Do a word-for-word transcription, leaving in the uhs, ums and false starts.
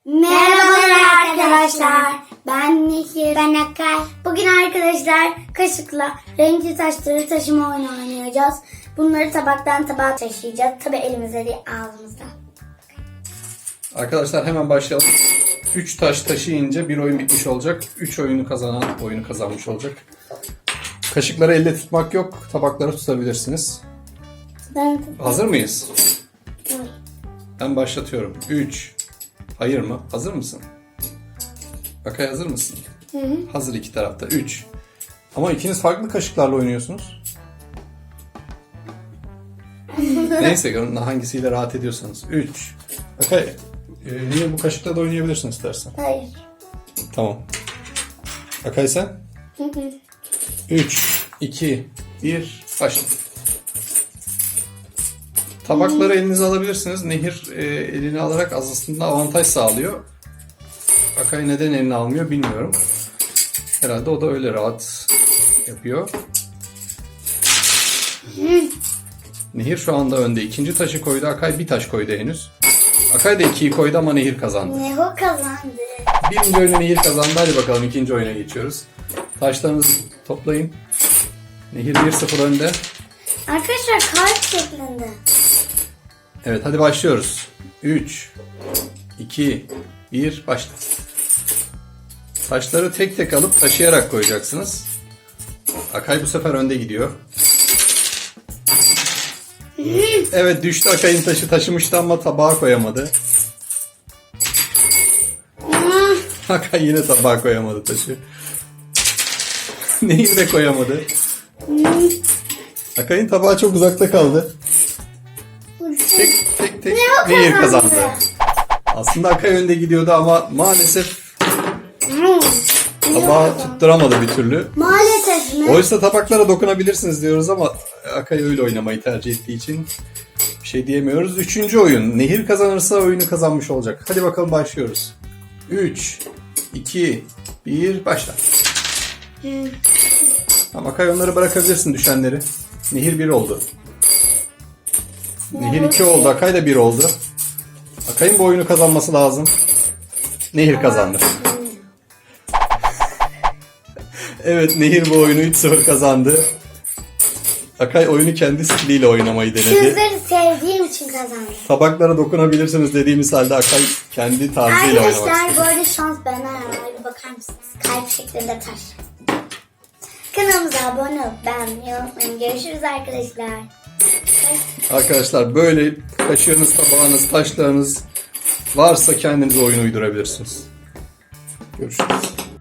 Merhabalar arkadaşlar. Ben Nehir. Ben Akay. Bugün arkadaşlar kaşıkla renkli taşları taşıma oyunu oynayacağız. Bunları tabaktan tabağa taşıyacağız. Tabi elimizde değil, ağzımızda. Arkadaşlar hemen başlayalım. üç taş taşıyınca bir oyun bitmiş olacak. üç oyunu kazanan oyunu kazanmış olacak. Kaşıkları elle tutmak yok. Tabakları tutabilirsiniz. Ben... Hazır mıyız? Evet. Ben başlatıyorum. üç. Hayır mı? Hazır mısın? Akay hazır mısın? Hı hı. Hazır iki tarafta. üç. Ama ikiniz farklı kaşıklarla oynuyorsunuz. Neyse hangisiyle rahat ediyorsanız. üç. Akay e, yine bu kaşıkla da oynayabilirsin istersen. Hayır. Tamam. Akay sen? Hı hı. üç, iki, bir, başla. Tabakları elinize alabilirsiniz. Nehir e, elini alarak aslında avantaj sağlıyor. Akay neden elini almıyor bilmiyorum. Herhalde o da öyle rahat yapıyor. Nehir şu anda önde. İkinci taşı koydu. Akay bir taş koydu henüz. Akay da ikiyi koydu ama Nehir kazandı. Ne o kazandı? Birinci oyunu Nehir kazandı. Hadi bakalım ikinci oyuna geçiyoruz. Taşlarınızı toplayın. Nehir bir sıfır önde. Arkadaşlar kalp şeklinde. Evet hadi başlıyoruz. üç, iki, bir, başla. Taşları tek tek alıp taşıyarak koyacaksınız. Akay bu sefer önde gidiyor. Evet düştü, Akay'ın taşı taşımıştı ama tabağa koyamadı. Akay yine tabağa koyamadı taşı. Nehir de koyamadı. Akay'ın tabağı çok uzakta kaldı. Tek tek tek Nehir kazandı. Aslında Akay önde gidiyordu ama maalesef tabağı tutturamadı bir türlü. Maalesef mi? Oysa tabaklara dokunabilirsiniz diyoruz ama Akay öyle oynamayı tercih ettiği için bir şey diyemiyoruz. Üçüncü oyun. Nehir kazanırsa oyunu kazanmış olacak. Hadi bakalım başlıyoruz. üç, iki, bir, başla. Tamam Akay onları bırakabilirsin düşenleri. Nehir bir oldu. Nehir iki oldu. Akay da bir oldu. Akay'ın bu oyunu kazanması lazım. Nehir kazandı. Evet Nehir bu oyunu üç sıfır kazandı. Akay oyunu kendi stiliyle oynamayı denedi. Sizleri sevdiğim için kazandım. Tabaklara dokunabilirsiniz dediğimiz halde Akay kendi tarzıyla oynamak istedi. Arkadaşlar bu arada şans benden yana. Bir bakar mısınız? Kalp şeklinde taş. Kanalımıza abone olup beğenmeyi unutmayın. Görüşürüz arkadaşlar. Arkadaşlar böyle kaşığınız, tabağınız, taşlarınız varsa kendinize oyun uydurabilirsiniz. Görüşürüz.